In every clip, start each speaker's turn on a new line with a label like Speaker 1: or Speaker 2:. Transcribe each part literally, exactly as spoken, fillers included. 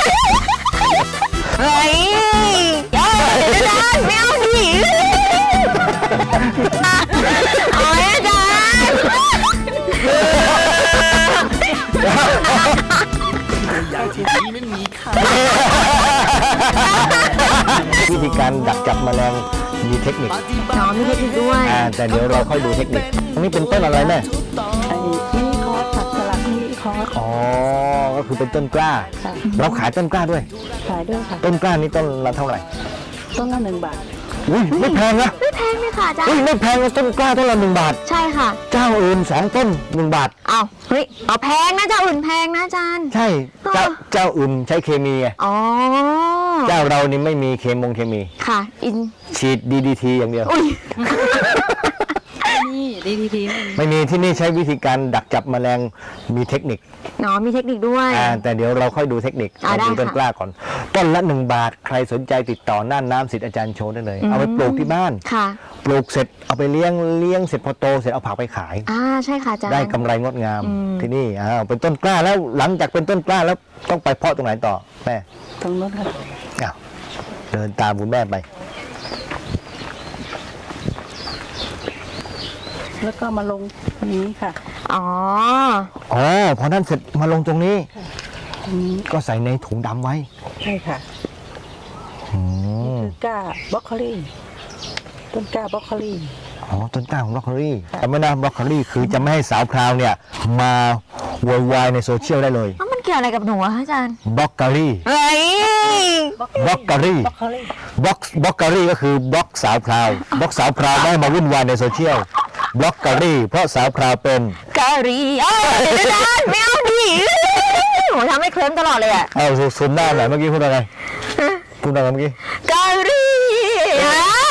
Speaker 1: เฮ้ยเดี๋ยวอาจารย์ไม่เอาดิเอาอาจารย์
Speaker 2: อย่างที่นี้ไม่มีค่ะ
Speaker 3: วิธีการดักจับแมลงมีเทคนิค
Speaker 1: น้องมีเทคนิคด้วย
Speaker 3: อ่าแต่เดี๋ยวเราค่อยดูเทคนิคอันนี้เป็นต้นอะไรแม่
Speaker 4: ไอ้มินิคอร์สผักสลัดมินิคอร์ส
Speaker 3: อ๋อก็คือเป็นต้นกล้า
Speaker 4: ค่ะ
Speaker 3: เราขายต้นกล้าด้วย
Speaker 4: ขายด้วยค่ะ
Speaker 3: ต้นกล้านี่ต้นละเท่าไหร่
Speaker 4: ต้นละหนึ่งบาท
Speaker 3: อุ้ยไม่แพงนะ
Speaker 1: ไม่แพงเลยค่ะอาจาร
Speaker 3: อุ้ย
Speaker 1: ย์
Speaker 3: ไม่แพงนะต้นกล้าต้นละหนึ่งบาท
Speaker 1: ใช่ค่ะ
Speaker 3: เจ้าอื่นสองต้นหนึ่งบาท
Speaker 1: เอาเฮ้ยเอาแพงนะเจ้าอื่นแพงนะอาจารย์
Speaker 3: ใช่เจ้าเจ้าอื่นใช้เคมีไง
Speaker 1: อ๋อ
Speaker 3: เจ้าเรานี่ไม่มีเคมงเคมี
Speaker 1: ค่ะอิน
Speaker 3: ฉีด ดี ดี ที อย่างเดียว
Speaker 1: อุ้ย
Speaker 4: นี่ดีทีที
Speaker 3: ไม่มีที่นี่ใช้วิธีการดักจับแมลงมีเทคนิค
Speaker 1: น้องมีเทคนิคด้วย
Speaker 3: อ่าแต่เดี๋ยวเราค่อยดูเทคนิค
Speaker 1: อ่า
Speaker 3: เราดู
Speaker 1: ได้
Speaker 3: ต้น
Speaker 1: ค่ะ
Speaker 3: กล้าก่อน ต้นละหนึ่งบาทใครสนใจติดต่อน่านน้ำสิทธิ์อาจารย์โชว์ได้เลย เอาไปปลูกที่บ้าน
Speaker 1: ค่ะ
Speaker 3: ปลูกเสร็จเอาไปเลี้ยงเลี้ยงเสร็จพอโตเสร็จเอาผักไปขาย
Speaker 1: อ่าใช่ค่ะอาจารย์
Speaker 3: ได้กำไรงดงาม
Speaker 1: อืม
Speaker 3: ที่นี่อ้าวเป็นต้นกล้าแล้วหลังจากเป็นต้นกล้าแล้วต้องไปเพาะตรงไหนต่อแม่
Speaker 4: ตรงนู้นค่ะ
Speaker 3: อ้าวเดินตามคุณแม่ไป
Speaker 4: แล้วก็มาลงนี้ค่ะ
Speaker 1: อ๋อ
Speaker 3: อ๋อพอนั้นเสร็จมาลงตรงนี้
Speaker 4: ตรงนี้
Speaker 3: ก็ใส่ในถุงดำไว้
Speaker 4: ใช่ค่ะ
Speaker 3: อืม
Speaker 4: คือกล้าบล็อกโคลี่ต้นกล้าบล็อกโคลี่
Speaker 3: อ๋อต้นกล้าของบรอกโคลีแต่ไม่นะบรอกโคลีคือจะไม่ให้สาวพราวเนี่ยมาโวยวายในโซเชียลได้เลย
Speaker 1: แล้วมันเกี่ยวอะไรกับหนูอะคะอาจารย์
Speaker 3: บล็อกโคลี
Speaker 1: เฮ้ย
Speaker 3: บล็อกโคลี
Speaker 4: บล็อกโคลี่
Speaker 3: บล็อกบล็อกโคลีก็คือบล็อกสาวพราวบล็อกสาวพราวไม่ให้มาวุ่นวายในโซเชียลบล็อกโคลีเพราะสาวพราวเป็น
Speaker 1: กะหรี่เอ้ยอาจารย์ไม่เอาดิหนูทำให้เคลิ้มตลอดเลยอะ
Speaker 3: เอาซูมหน้าหน่อยเมื่อกี้พูดอะไรพูดอะไรเมื่อกี้
Speaker 1: กะหรี่อะ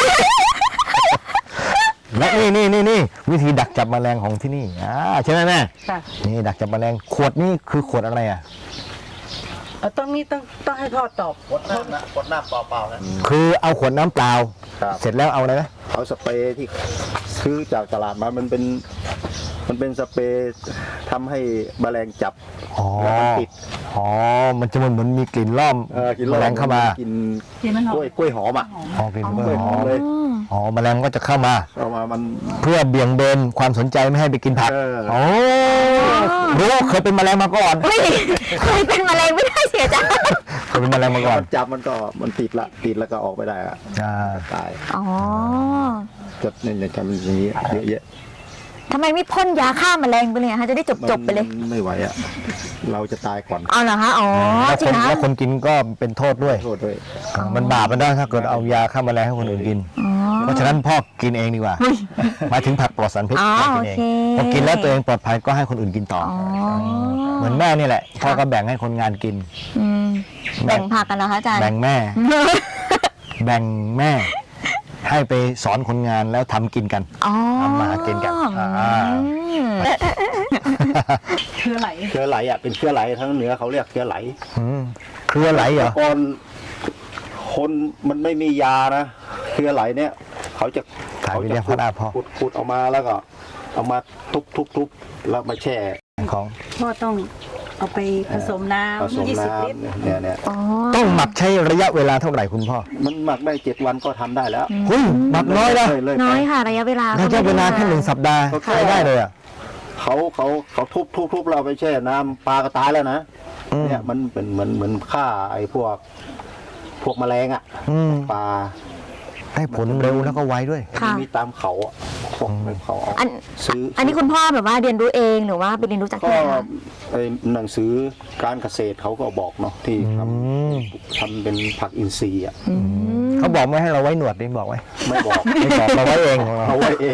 Speaker 3: และนี่นี่นี่นี่วิธีดักจับแมลงของที่นี่อ่าใช่ไหมแม่
Speaker 4: ค่ะ
Speaker 3: นี่ดักจับแมลงขวดนี่คือขวดอะไรอ่ะ
Speaker 4: เอาต้องนี้ต้องต้องให้พ่อตอบ
Speaker 2: กดน้ำนะกดน้ำเปล่าๆนะ
Speaker 3: คือเอาขวดน้ำเปล่า
Speaker 2: ครับ
Speaker 3: เสร็จแล้วเอาอะไรนะ
Speaker 2: เอาสเปรย์ที่ซื้อจากตลาดมามันเป็น มันเป็นสเปรย์ทำให้แมลงจับ
Speaker 3: อ๋อ
Speaker 2: แล้วมันติด
Speaker 3: อ๋อ มันจะเหมือนเหมือนมีกลิ่นล่อม
Speaker 2: เออกิน
Speaker 3: แมลงเข้ามา
Speaker 2: กิน
Speaker 4: กินมันหอก ม
Speaker 2: ล้วยกล้วยหอมอ่ะ
Speaker 3: อ๋อกลิ่น
Speaker 2: ก
Speaker 3: ก
Speaker 2: ล้
Speaker 3: ล้ว วย ย
Speaker 2: ห
Speaker 3: ห
Speaker 2: อ
Speaker 3: อ
Speaker 2: ม
Speaker 3: ม
Speaker 2: เลย
Speaker 3: อ๋อแมลงก็จะเข้ามา
Speaker 2: เอามามัน
Speaker 3: เพื่อเบี่ยงเบนความสนใจไม่ให้ไปกินผัก
Speaker 2: เออ
Speaker 3: โอ้รู้ว่าเคยเป็นแมลงมาก่อน
Speaker 1: ไม่เคยเป็นมะเร็งไม่ได้เสียใจ
Speaker 3: เคยเป็นแมลงมาก่อน
Speaker 2: มันจับมันก็มันติดละติดแล้วก็ออกไปได้อะ
Speaker 3: อ่า
Speaker 2: ตาย
Speaker 1: อ๋อ
Speaker 2: จะเนี่ยจะทำอย่างนี้เยอะแยะ
Speaker 1: ทำไมไม่พ่นยาฆ่าแมลงไปเลยอะคะจะได้จบจบๆไปเลย
Speaker 2: มันไม่ไหวอ่ะเราจะตายก่อน
Speaker 1: เอาเหรอคะอ๋อ
Speaker 3: แล้ว
Speaker 1: จริ
Speaker 3: ค
Speaker 1: ง
Speaker 3: น
Speaker 1: นะ
Speaker 3: แล้วคนกินก็เป็นโทษด้วย
Speaker 2: โทษด้วย
Speaker 3: อ่ามันบาปมันได้ถ้าเกิดเอายาฆ่าแมลงให้คนอื่นกิน
Speaker 1: อ๋อ
Speaker 3: เพราะฉะนั้นพ่อกินเองดีกว่าหมายถึงผักปลอดสารพิษ
Speaker 1: อ๋อ
Speaker 3: พ่อกินเอง
Speaker 1: โอเค
Speaker 3: พอกินแล้วตัวเองปลอดภัยก็ให้คนอื่นกินต่อ
Speaker 1: อ๋อ
Speaker 3: เหมือนแม่นี่แหละพ่อก็แบ่งให้คนงานกิน
Speaker 1: อืมแบ่งผักกันเหรอคะอาจารย์
Speaker 3: แบ่งแม่ แบ่งแม่ ให้ไปสอนคนงานแล้วทำกินกัน
Speaker 1: อ๋อ
Speaker 3: ทำมาหากินกันอ่า
Speaker 1: อืม
Speaker 4: เชื้อไหล
Speaker 2: เชื้อไหลอ่ะเป็นเชื้อไหลทั้งเหนือเขาเรียกเชื้อไหล
Speaker 3: อืมเครือไหลเหรอ
Speaker 2: ก่อนคนมันไม่มียานะเชื้อไหลเนี่ย เขาจะ
Speaker 3: ขาย
Speaker 2: เขา
Speaker 3: ไป
Speaker 2: จะ
Speaker 3: เรียก
Speaker 2: ขุ
Speaker 3: พั
Speaker 2: ด
Speaker 3: ดอาพ่อ
Speaker 2: ขุดขุดออกมาแล้วก็ เอามาทุบทุบทุบแล้วมาแช่
Speaker 3: ของ
Speaker 4: พ่อต้องเอาไปผสมน้
Speaker 2: ผสม
Speaker 4: ำยี่สิบ
Speaker 2: น้
Speaker 4: ลิตร
Speaker 2: ำเนี่ยเนี่ย
Speaker 1: อ๋อ
Speaker 3: ต้องหมักใช้ระยะเวลาเท่าไหร่คุณพ่อ
Speaker 2: มันหมักได้เจ็ดวันก็ทำได้แล้ว
Speaker 3: เฮ้ยหมักน้อยนะ
Speaker 2: เลย
Speaker 1: น้อยค่ะระยะเวลา
Speaker 3: ระยะเวลาแค่หนึ่งสัปดาห์ใช้ได้เลยอ่ะ
Speaker 2: เขาเขาเขาทุบทุบทุบเราไปแช่น้ำปลาก็ตายแล้วนะ
Speaker 3: อืม
Speaker 2: เนี่ยมันเป็นเหมือนเหมือนฆ่าไอ้พวก พวกแมลงอ่ะ
Speaker 3: อืม
Speaker 2: ปลา
Speaker 3: ได้ผลเร็วแล้วก็ไวด้วย
Speaker 1: ค่ะ
Speaker 2: มีตามเขาอะพวกในเขาเอา
Speaker 1: อัน
Speaker 2: ซื้อ
Speaker 1: อันนี้คุณพ่อแบบว่าเรียนรู้เองหรือว่าไปเรียนรู้จาก
Speaker 2: ก็
Speaker 1: ที่ไหนคะ
Speaker 2: ไอ้หนังสือการเกษตรเขาก็บอกเนาะที่ท
Speaker 3: อืม
Speaker 2: ำทำเป็นผักอินทรีย์อ่ะ
Speaker 1: อืม
Speaker 3: เขาบอกไม่ให้เราไว้หนวดดิบอกไว้
Speaker 2: ไม่บอก
Speaker 3: ไม่บอกเราไว้เองของเรา
Speaker 2: เอาไว้เอง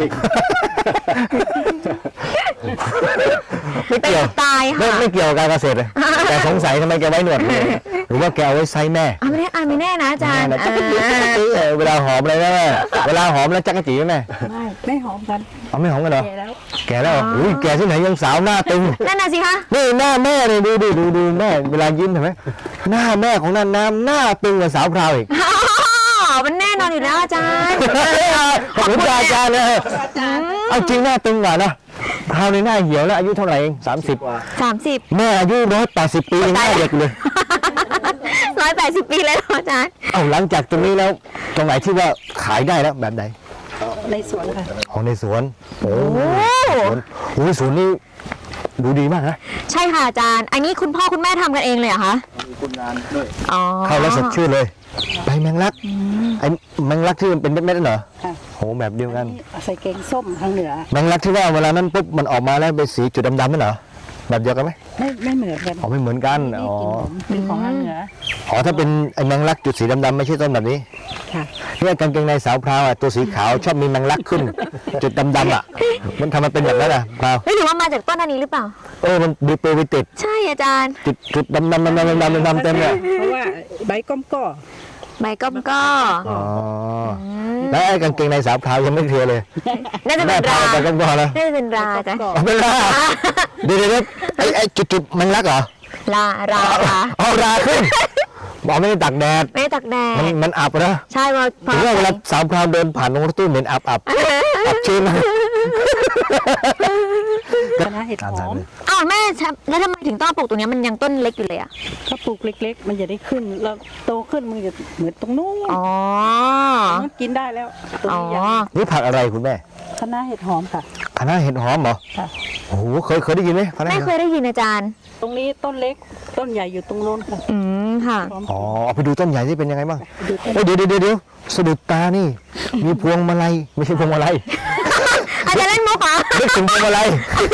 Speaker 3: ไม่เกี่ยว
Speaker 1: ตาย
Speaker 3: ไม่
Speaker 1: ค่ะ
Speaker 3: ไม่เกี่ยวกับการเกษตรเลยแต่สงสัยทำไมแกไว้หนวดเลยหรือว่าแกเอาไว้ไซส์แม่
Speaker 1: อ่ะไม่แน่อ่ะไม่แน่นะอาจารย์
Speaker 3: จักรจี
Speaker 1: อ่า
Speaker 3: จักรจีเออเวลาหอมอะไรนะแม่เวลาหอมแล้วจักรจีไหมแม่
Speaker 4: ไม่ไม่หอมกัน
Speaker 3: เอาไม่หอมกันเหรอ
Speaker 4: แก่แล้ว
Speaker 3: แกแล้วเหรออุ้ยแกที่ไหนยังสาวหน้าตึง
Speaker 1: นั่นน่ะสิคะ
Speaker 3: นี่หน้าแม่เลยดูดิดูดูแม่เวลายิ้มเห็นไหมหน้าแม่ของนันน้ำหน้าตึงกว่าสาวพราวอีก
Speaker 1: อ๋อมันแน่นอนอยู่แล้วอาจารย์
Speaker 3: ขอบคุณอาจารย์เลยเอาจริงหน้าตึงกว่านะพราวในหน้าเหี่ยวแล้วอายุเท่าไหร่เองสามสิบ
Speaker 1: สามสิบ
Speaker 3: แม่อายุร้อยแปดสิบปียังหน้าเด็กเลย
Speaker 1: ร้อยแปดสิบปีเลยเหรออาจารย์
Speaker 3: เอาหลังจากตรงนี้แล้วตรงไหนที่ว่าขายได้แล้วแบบไหน
Speaker 4: ในสวนค่ะ
Speaker 3: ของในสวนโอ้
Speaker 1: โอ้
Speaker 3: สวนโอ้ยสวนนี่ดูดีมากนะ
Speaker 1: ใช่ค่ะอาจารย์ อันนี้คุณพ่อคุณแม่ทำกันเองเลยเหรอคะ
Speaker 2: มีคนงานด้วย
Speaker 1: อ๋อ
Speaker 3: เข้าแล้วสดชื่นเลยใบแมงลักไอ้แมงลักที่มันเป็นเม็ดๆนั่นเหรอ
Speaker 4: ค่ะ
Speaker 3: โหแบบเดียวกัน
Speaker 4: นี่ใส่แกงส้มทางเหนือ
Speaker 3: แมงลักที่ว่าเวลานั้นปุ๊บมันออกมาแล้วเป็นสีจุดดำๆนั่นเหรอแบบเดียวกันไหม
Speaker 4: ไม่ไม่เหมือนกัน
Speaker 3: อ๋อไม่เหมือนกัน
Speaker 4: นี่
Speaker 3: อ๋อ
Speaker 4: กินผมเป็นของทางเหนือ
Speaker 3: อ๋อถ้าเป็นไอ้แมงลักจุดสีดำๆไม่ใช่ต้นแบบนี้
Speaker 4: ค่ะ
Speaker 3: เนี่ยกางเกงในสาวพราวอ่ะตัวสีขาวชอบมีแมงลักขึ้น จุดดำๆอ่ะมันทำมันเป็นแบบนั้นอ่ะพราว
Speaker 1: เฮ้ยหรือว่ามาจากต้นอันนี้หรือเปล่า
Speaker 3: เออมันดีเปรวิติด
Speaker 1: ใช่อาจารย์
Speaker 3: จุดจุดดำๆดำๆดำๆดำๆดำๆเต็มเลย
Speaker 4: เพราะว่าใบก้อมก่อ
Speaker 1: ใบก้อมก็
Speaker 3: อ๋อแล้วไอ้กางเกงในสาวพราวยังไม่เคลียร์เลย
Speaker 1: น่าจะ
Speaker 3: แม่
Speaker 1: เป็น
Speaker 3: พา
Speaker 1: รา
Speaker 3: ไปกันก่อนแล้ว
Speaker 1: น่าจะเป็นราอาจารย์
Speaker 4: ก่อ
Speaker 3: เอาเป็นราเดี๋ยวเดี๋ยวไอ้ไอ้จุดจุดๆแมงลักเหรอ
Speaker 1: ลารารา
Speaker 3: เอาราขึ้นบอกไม่ได้ตักแดด
Speaker 1: ไม่ได้ตักแด
Speaker 3: มัน
Speaker 1: ด
Speaker 3: มันอับนะ
Speaker 1: ใช่ว่าพอ
Speaker 3: ถึงว่าเวลาสาวพราวเดินผ่านตรงรถตู้เหม็นอับอับอับชื้นนะ
Speaker 4: คณะเห็ดหอม
Speaker 1: อ้าวแม่แล้วทำไมถึงต้องปลูกตรงนี้มันยังต้นเล็กอยู่เลยอ่ะ
Speaker 4: ถ้าปลูกเล็ก ๆ มันจะได้ขึ้นแล้วโตขึ้นมันจะเหมือนตรงนู้น
Speaker 1: อ๋อ
Speaker 4: มันกินได้แล้วตรง
Speaker 1: อ๋อ
Speaker 4: นี้ยัง
Speaker 3: นี่ผักอะไรคุณแม่
Speaker 4: คณะเห็ดหอมค่ะ
Speaker 3: คณะเห็ดหอมเหรอ
Speaker 4: ค่ะ
Speaker 3: โอ้โหเคยเคยได้ยินไหมคณะ
Speaker 1: ไม่
Speaker 3: เห็ดห
Speaker 1: เค
Speaker 3: อม
Speaker 1: ยได้ยินอาจารย์
Speaker 4: ตรงนี้ต้นเล็กต้นใหญ่อยู่ตรงโน้นค่ะ
Speaker 1: อืมค่ะ
Speaker 4: พร้อม
Speaker 3: อ๋อเอาไปดูต้นใหญ่ที่เป็นยังไงบ้าง
Speaker 4: ดูต้น
Speaker 3: โอ้ยเดี๋ยวเดี๋ยวเดี๋ยวเดี๋ยวสะดุดตานี่ มีพวงมาลัยไม่ใช่พวงมาลัย
Speaker 1: อาจารย์เล่นมุกเหรอ
Speaker 3: นึกถึงพวงมาลัย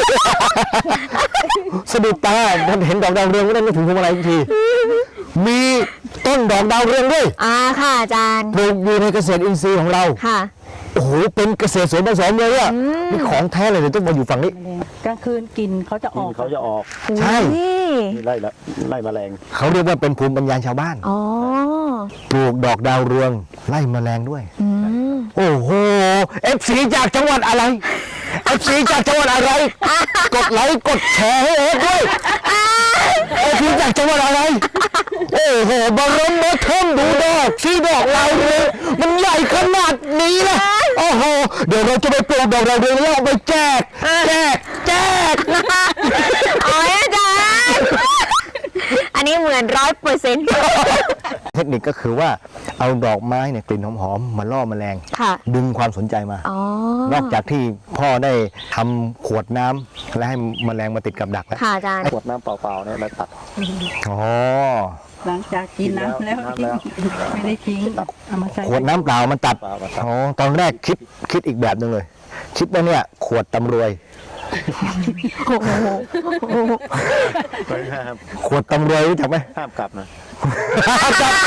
Speaker 3: สะดุดตาเห็นดอกดาวเรืองก็ได้นึกถึงพวงมาลัยทุกที มีต้นดอกดาวเรืองด้วย
Speaker 1: อ่าค่ะอาจารย์
Speaker 3: ปลูกอยู่ในเกษตรอินทรีย์ของเรา
Speaker 1: ค่ะ
Speaker 3: โอ้โหเป็นเกษตรสวนผสมเลยอ่ะนี่ของแท้เลยเดี๋ยวต้องมาอยู่ฝั่งนี้
Speaker 4: แมลงกลางคืนกินเขาจะอ
Speaker 2: กิ
Speaker 4: อน ก
Speaker 2: เขาจะออก
Speaker 3: ใช่
Speaker 1: นี่
Speaker 2: นี่ไล่ละไล่แมลง
Speaker 3: เขาเรียกว่าเป็นภูมิปัญญาชาวบ้าน
Speaker 1: อ๋อ
Speaker 3: ปลูกดอกดาวเรืองไล่แมลงด้วย
Speaker 1: อืม
Speaker 3: โอ้โหเอฟซีจากจังหวัดอะไรเอฟซีจากจังหวัดอะไร กดไลค์กดแชร์ให้เอฟด้วยเอฟซีจากจังหวัดอะไร โอ้โหบรมเทิมดูดอกสีดอกดาวเรืองมันใหญ่ขนาดนี้นะโอ้โหเดี๋ยวเราจะไปปลูกดอกดาวเรืองแล้วเอาไปแจกแจกแจก
Speaker 1: อ๋ออาจารย์ อันนี้เหมือนร้อยเปอร์เซ็นต์
Speaker 3: เทคนิคก็คือว่าเอาดอกไม้เนี่ยกลิ่นหอมๆมาล่อแมลง
Speaker 1: ค่ะ
Speaker 3: ดึงความสนใจมา
Speaker 1: อ๋อ
Speaker 3: นอกจากที่พ่อได้ทำขวดน้ำและให้แมลงมาติดกับดักแล้ว
Speaker 1: ค่ะอาจารย์
Speaker 2: ขวดน้ำเปล่าๆเนี่ยมาตัด
Speaker 3: อ๋อ
Speaker 4: หลังจากกินน้ำแล้ว
Speaker 2: น้ำแล้ว
Speaker 4: ไม่ได้ทิ้งเอามาใช้
Speaker 3: ขวดน้ำเปล่ามันตัด
Speaker 2: เปล่ามาตัด
Speaker 3: อ๋อตอนแรกคิดคิดอีกแบบหนึ่งเลย คิดว่าเนี่ยขวดตำรวย
Speaker 1: โอ้โห
Speaker 2: ไม่ห้าม
Speaker 3: ขวดตำรวยรู้จักไหม
Speaker 2: ห้ามกลับนะ
Speaker 3: ห้ามกลับ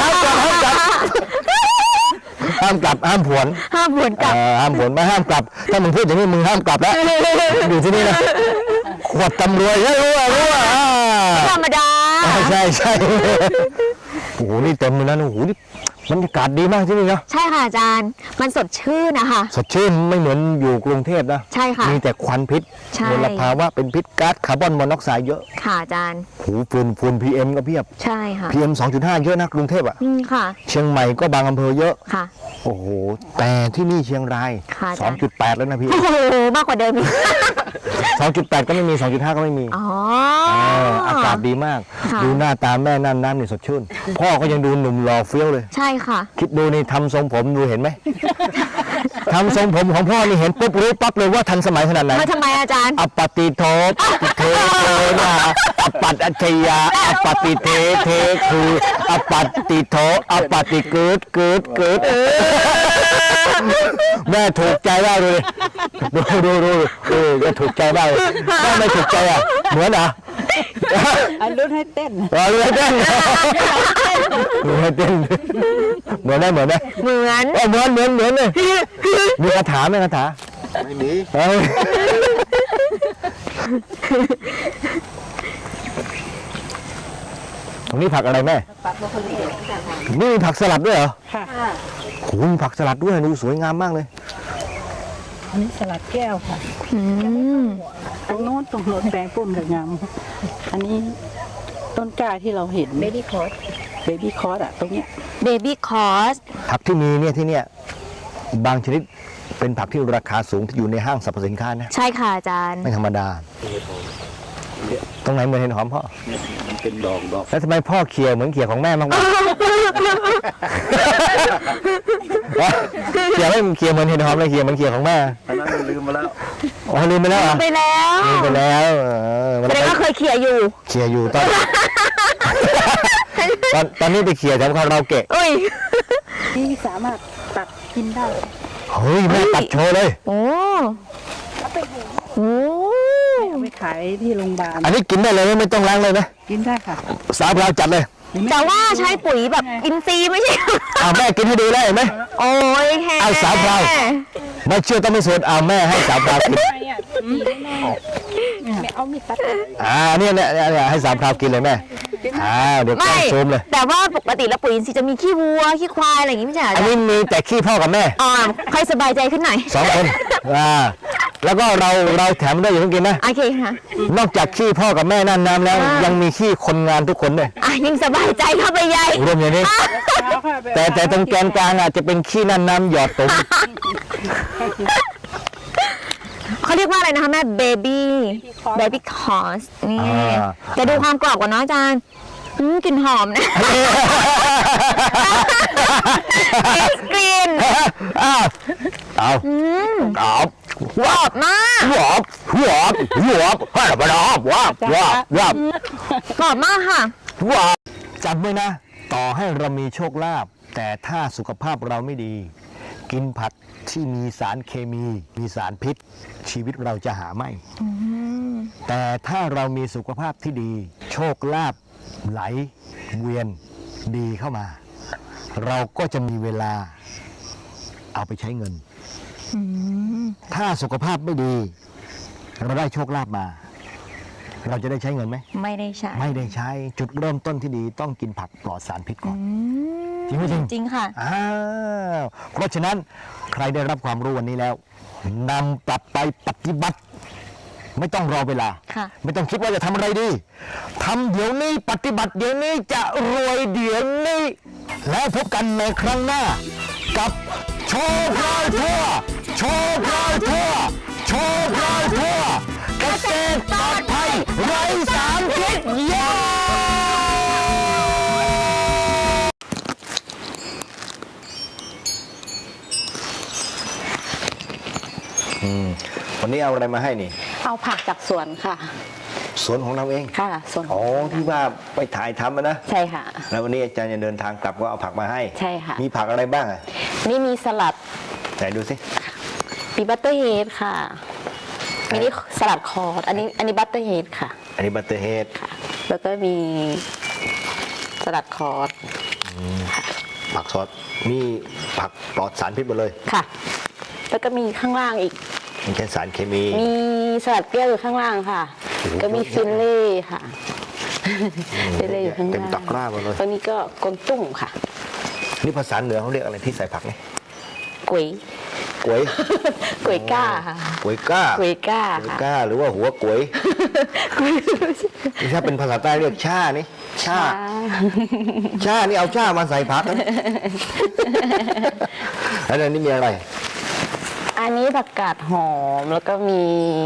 Speaker 3: ห้ามกลับห้ามผวน
Speaker 1: ห้ามหวนกลับ
Speaker 3: เอ่อห้ามผวนไม่ห้ามกลับ ถ้ามึงพูดอย่างนี้มึงห้ามกลับแล้วอยู่ที่นี่นะขวดตำรวยเฮ้ยรู้ว่ารู้ว่าอ่า
Speaker 1: ธรรมดา
Speaker 3: ใช่ใช่โอ้โหนี่เต็มเลยนะโอ้โหนี่บรรยากาศดีมากที่นี่นะ
Speaker 1: ใช่ค่ะอาจารย์ มันสดชื่นนะคะ
Speaker 3: สดชื่นไม่เหมือนอยู่กรุงเทพนะ
Speaker 1: ใช่ค่ะ
Speaker 3: มีแต่ควันพิษ
Speaker 1: ใช่
Speaker 3: มลภาวะเป็นพิษก๊าซคาร์บอนมอนอกไซด์เยอะ
Speaker 1: ค่ะอาจารย์
Speaker 3: หูฝุ่นฝุ่น พี เอ็ม ก็เพียบ
Speaker 1: ใช่ค่ะ
Speaker 3: พี เอ็ม สองจุดห้า เยอะนะกรุงเทพอ่ะ
Speaker 1: อืมค่ะ
Speaker 3: เชียงใหม่ก็บางอำเภอเยอะ
Speaker 1: ค่ะ
Speaker 3: โอ้โห แต่ที่นี่เชียงราย
Speaker 1: ค่ะอาจารย์
Speaker 3: สองจุดแปด แล้วนะพี่
Speaker 1: โอ้โห มากกว่าเดิมอีก
Speaker 3: สองจุดแปด ก็ไม่มี สองจุดห้า ก็ไม่มี
Speaker 1: อ๋อ
Speaker 3: เอออากาศดีมาก
Speaker 1: ค่ะ
Speaker 3: ดูหน้าตาแม่น้ำน้ำนี่สดชื่น พ่อก็ยังดูหนุ่มหล่อเฟี้ยวเลย
Speaker 1: ใช่ค่ะ
Speaker 3: คิดดูนี่ทำทรงผมดูเห็นไหม ทำทรงผมของพ่อนี่เห็นปุ๊บรู้ปั๊บเลยว่าทันสมัยขนาดไหน
Speaker 1: มาทำไมอาจารย์
Speaker 3: อปปติโทปฏิเทโทนาอปปัตอัจฉริยาอปปติเทเทคืออปปัตติโทอปปติเกิดเกิดเกิดแม่ถูกใจมากเลยดูดูดูดูก็ถูกใจมากเลยแม่ไม่ถูกใจอ่ะเหมือนเหรอ
Speaker 4: อันรุ่นให้เต้น
Speaker 3: รอเลยเต้นดูให้เต้นเหมือนได้เหมือนได้
Speaker 1: เหมือน
Speaker 3: เหมือนเหมือนเหมือนเลยมีคาถาไหมคาถา
Speaker 2: ไม่มี
Speaker 3: เอ้ยตรงนี้ผักอะไรแม่ นี่มีผักสลัดด้วยเหรอ
Speaker 4: ค่ะ
Speaker 3: โอ้โหมีผักสลัดด้วยดูสวยงามมากเลย
Speaker 4: อันนี้สลัดแก้วค่ะ
Speaker 1: อืม
Speaker 4: ตรงโน้นตรงโน้นแปลงปุ่มกับงามอันนี้ต้นกล้าที่เราเห็นเบบี้คอร์สเบบี้คอร์สอะตรงเนี้ย
Speaker 1: เบบี้คอร์ส
Speaker 3: ผักที่มีเนี่ยที่เนี่ยบางชนิดเป็นผักที่ราคาสูงที่อยู่ในห้างสรรพสินค้านะ
Speaker 1: ใช่ค่ะอาจารย์
Speaker 3: ไม่ธรรมดา
Speaker 2: เนี่ย
Speaker 3: ตรงไหนเหมือนเห็ดหอมพ่อ
Speaker 2: เนี่ยมันเป็นดอกดอก
Speaker 3: แล้วทำไมพ่อเคี่ยวเหมือนเคี่ยวของแม่มากกว่า เคี่ยวไม่เคี่ยวเหมือนเห็ดหอมเลยเคี่ยวเหมือนเคี่ยวของแม่
Speaker 2: อันนั้นมันลืมมาแล้ว
Speaker 3: อ๋อลืมไปแล้วเหรอ
Speaker 1: ไปแล้ว
Speaker 3: ลืมไปแล้วเออมัน
Speaker 1: แสดงว่าเคยเขี่ยอยู่
Speaker 3: เคี่ยวอยู่ตอน ตอนตอนนี้ไปเคี่ยวแถวคาราโอเกะ
Speaker 1: อุ้ย
Speaker 4: นี่สามารถตัดกินได้
Speaker 3: เฮ้ยแม่ตัดโชว์เลย
Speaker 1: โอ้โอ้
Speaker 4: เอาไปขายที่โรงพยาบาล
Speaker 3: อันนี้กินได้เลยไหมไม่ต้องล้างเลยนะ
Speaker 4: กินได้ค่ะ
Speaker 3: สาวเราจัดเลย
Speaker 1: แต่ว่าใช้ปุ๋ยแบบอินทรีย์ไม่ใช่
Speaker 3: เอาแม่กินให้ดูเลยเห็นไหม
Speaker 1: โอ้ยแค่
Speaker 3: เอาสาวเรา ไม่เชื่อต้องไม่สูตรเอาแม่ให้สาวเรากิน
Speaker 4: ไม่เอามีดตัด
Speaker 3: อ่าเนี่ยเนี่ยเนี่ยให้สาวเรากินเลยแม่อ่าเดี๋ยวแกล้
Speaker 1: ไม่
Speaker 3: งซูมเลย
Speaker 1: แต่ว่าปกติแล้วปุ๋ยอินทรีย์จะมีขี้วัวขี้ควายอะไรอย่างงี้ไม่ใช่เหรอ
Speaker 3: อัน
Speaker 1: จ๊ะ
Speaker 3: นี้มีแต่ขี้พ่อกับแม่
Speaker 1: อ๋อค่อยสบายใจขึ้นหน่อย
Speaker 3: สองคนอ่าแล้วก็เราเราแถมด้วยอย่าเพิ่งกินนะ
Speaker 1: โอเคค่ะ
Speaker 3: นอกจากขี้พ่อกับแม่นั่นน้ำแล้ว
Speaker 1: อ่ายั
Speaker 3: ยังมีขี้คนงานทุกคนด้วย
Speaker 1: อ่ะยิ่งสบายใจเข้าไปใหญ่
Speaker 3: รวมอย่างนี้ แต่แต่ตรงแกนกลางอาจจะเป็นขี้นั่นน้ำหยอดตุ่ม
Speaker 1: เขาเรียกว่าอะไรนะคะแม่เบบี้เบบี้คอสนี่จะดูความกรอบก่อนเนาะอาจารย์อืมกลิ่นหอมนะกลิ่น
Speaker 3: อ้าวเอา
Speaker 1: อืม
Speaker 3: เอาว
Speaker 1: กรอบมาก
Speaker 3: วบวบวบให้ระเบิดวบวบวบวบ
Speaker 1: กรอบมากค่ะ
Speaker 3: วบจำไว้นะ ต่อให้เรามีโชคลาภแต่ถ้าสุขภาพเราไม่ดี กินผักที่มีสารเคมี มีสารพิษ ชีวิตเราจะหาไม่
Speaker 1: อืม
Speaker 3: แต่ถ้าเรามีสุขภาพที่ดี โชคลาภไหลเวียนดีเข้ามา เราก็จะมีเวลาเอาไปใช้เงิน
Speaker 1: อืม
Speaker 3: ถ้าสุขภาพไม่ดี เราได้โชคลาภมา เราจะได้ใช้เงินไหม
Speaker 1: ไม่ได้ใช้
Speaker 3: ไม่ได้ใช้จุดเริ่มต้นที่ดีต้องกินผักปลอดสารพิษก่อน
Speaker 1: อืม
Speaker 3: จริงไหมจริง
Speaker 1: จริงค่ะ
Speaker 3: อ้าวเพราะฉะนั้นใครได้รับความรู้วันนี้แล้วนำปรับไปปฏิบัติ ไม่ต้องรอเวลา
Speaker 1: ค่ะ
Speaker 3: ไม่ต้องคิดว่าจะทำอะไรดีทำเดี๋ยวนี้ปฏิบัติเดี๋ยวนี้จะรวยเดี๋ยวนี้ แล้วพบกันในครั้งหน้า กับโชว์พลายทั่วโชว์พลายทั่วโชว์พลายทั่วเกษตรปลอดภัยไร้สารพิษเย้อืมวันนี้เอาอะไรมาให้นี่
Speaker 4: เอาผักจากสวนค่ะ
Speaker 3: สวนของเราเอง
Speaker 4: ค่ะสวน
Speaker 3: อ๋อที่ว่าไปถ่ายทำอะนะ
Speaker 4: ใช่ค่ะ
Speaker 3: แล้ววันนี้อาจารย์จะเดินทางกลับก็เอาผักมาให้
Speaker 4: ใช่ค่ะ
Speaker 3: มีผักอะไรบ้างอ่ะ
Speaker 4: นี่มีสลัด
Speaker 3: ไหนดูสิ
Speaker 4: มีบัตเตอร์เฮดค่ะมีนี่สลัดคอร์สอันนี้อันนี้บัตเตอร์เฮดค่ะ
Speaker 3: อันนี้บัตเตอร์เฮด
Speaker 4: ค่ะ แล้วก็มีสลัดคอร์ส
Speaker 3: ผักซอสมีผักปลอดสารพิษหมดเลย
Speaker 4: ค่ะ แล้วก็มีข้างล่างอีก
Speaker 3: มีแค่สารเคมี
Speaker 4: มีสลัดเปรี้ยวอยู่ข้างล่างค่ะ
Speaker 3: โอ้โห
Speaker 4: ก็มีฟิลเล่ค่ะ ฟิลเล่อยู่ข้างล่าง
Speaker 3: เต็มตะกร้าหมดเลย
Speaker 4: ตรงนี้ก็กลมตุ้งค่ะ
Speaker 3: นี่ภาษาเหนือเขาเรียกอะไรที่ใส่ผักนี่
Speaker 4: ก๋วย
Speaker 3: กล้วย
Speaker 4: ก๋วยก้าค่ะ
Speaker 3: กล้วยก้า
Speaker 4: ก๋วยก้าก
Speaker 3: ล้วย
Speaker 4: ค่ะ
Speaker 3: ก้าหรือว่าหัวกล้วยนี่ถ้าเป็นภาษาใต้เรียกช่านี่ช่าช่านี่เอาช่ามาใส่ผักนะแล้วอันนี้มีอะไร
Speaker 4: อันนี้ผักกาดหอมแล้วก็มี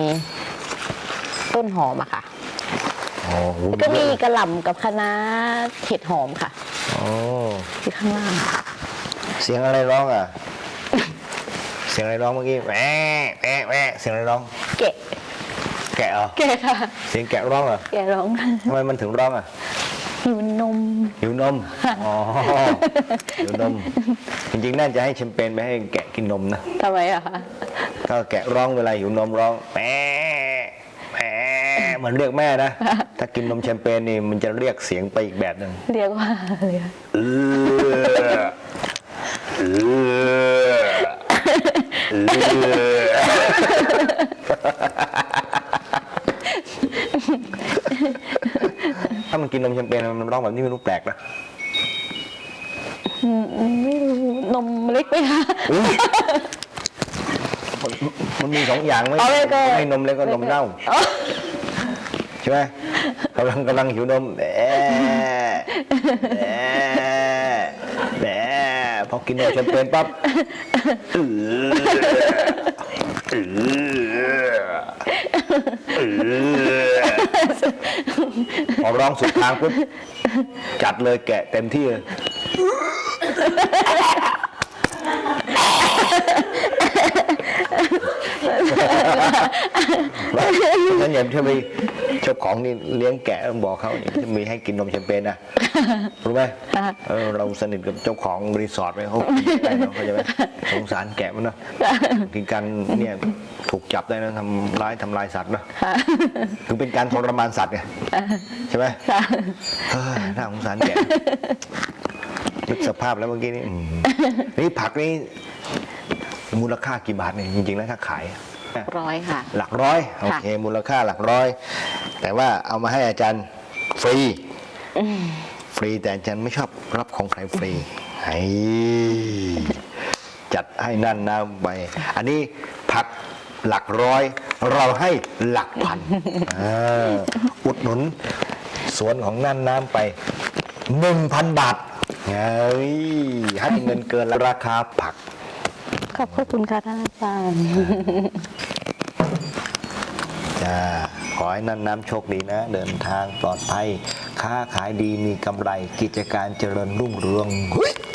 Speaker 4: ต้นหอมอะค่ะ
Speaker 3: อ๋อโห
Speaker 4: แล้วก็มีกระหล่ำกับคะน้าเห็ดหอมค่ะ
Speaker 3: อ๋อ
Speaker 4: ที่ข้างล่าง
Speaker 3: เสียงอะไรร้องอ่ะ เสียงอะไรร้องเมื่อกี้แหวะแหวะแหวะเสียงอะไรร้อง
Speaker 4: แกะ
Speaker 3: แกะเหรอ
Speaker 4: แกะค่ะ
Speaker 3: เสียงแกะร้องเหรอ
Speaker 4: แกะร้อง
Speaker 3: ทำไมมันถึงร้องอ่ะ
Speaker 4: หิวนม
Speaker 3: หิวนม อ๋อ หิวนม จริงๆ น่าจะให้แชมเปญไปให้แกะกินนมนะ
Speaker 4: ทำไมอะคะ
Speaker 3: ถ้าแกะร้องเวลาหิวนมร้องแหมแหมเหมือนเรียกแม่นะ ถ้ากินนมแชมเปญนี่มันจะเรียกเสียงไปอีกแบบหนึ่ง
Speaker 4: เรียกว่าอะไรคะ
Speaker 3: เออเออเออถ้ามันกินนมแชมเปญมันร้องแบบนี้ไม่รู้แปลกนะ
Speaker 4: อืมไม่รู้นมเล็กไหมคะ
Speaker 3: อุ๊ยมันมันมีสองอย่างไหม
Speaker 4: เอาเลยก็
Speaker 3: ไม่นมเล็กก็นมเน่า
Speaker 4: อ๋อ
Speaker 3: ใช่ไหมกำลังกำลังหิวนมแหมแหมแหมพอกินนมแชมเปญปั๊บเออเออเออพอร้องสุดทางปุ๊บจัดเลยแกะเต็มที่เลยงั้นอย่าเธอไปเจ้าของนี่เลี้ยงแกะต้องบอกเขาจะมีให้กินนมแชมเปญนะรู้ไหมเออเราสนิทกับเจ้าของรีสอร์ทไปเขาได้เนาะเขาจะไหมสงสารแกะมันเนาะที่การเนี่ยถูกจับได้นะทำร้ายทำลายสัตว์เนาะถึงเป็นการทรมานสัตว์ไงใช่ไหมเออน่าสงสารแกะนึกสภาพแล้วเมื่อกี้นี่นี่ผักนี่มูลค่ากี่บาทเนี่ยจริงๆแล้วถ้าขาย
Speaker 1: ร้อยค่ะ
Speaker 3: หลักร้อยโอเคมูลค่าหลักร้อยแต่ว่าเอามาให้อาจารย์ฟรีฟรีแต่อาจารย์ไม่ชอบรับของใครฟรีให้จัดให้นั่นนะไปอันนี้ผักหลักร้อยเราให้หลักพันอุดหนุนสวนของนั่นน้ำไปหนึ่งพันบาทเฮ้ยให้เงินเกินราคาผัก
Speaker 4: ขอบพระคุณค่ะท่านอาจารย์
Speaker 3: จ้าขอให้นั่นน้ำโชคดีนะ เดินทางปลอดภัยค้าขายดีมีกำไรกิจการเจริญรุ่งเรือง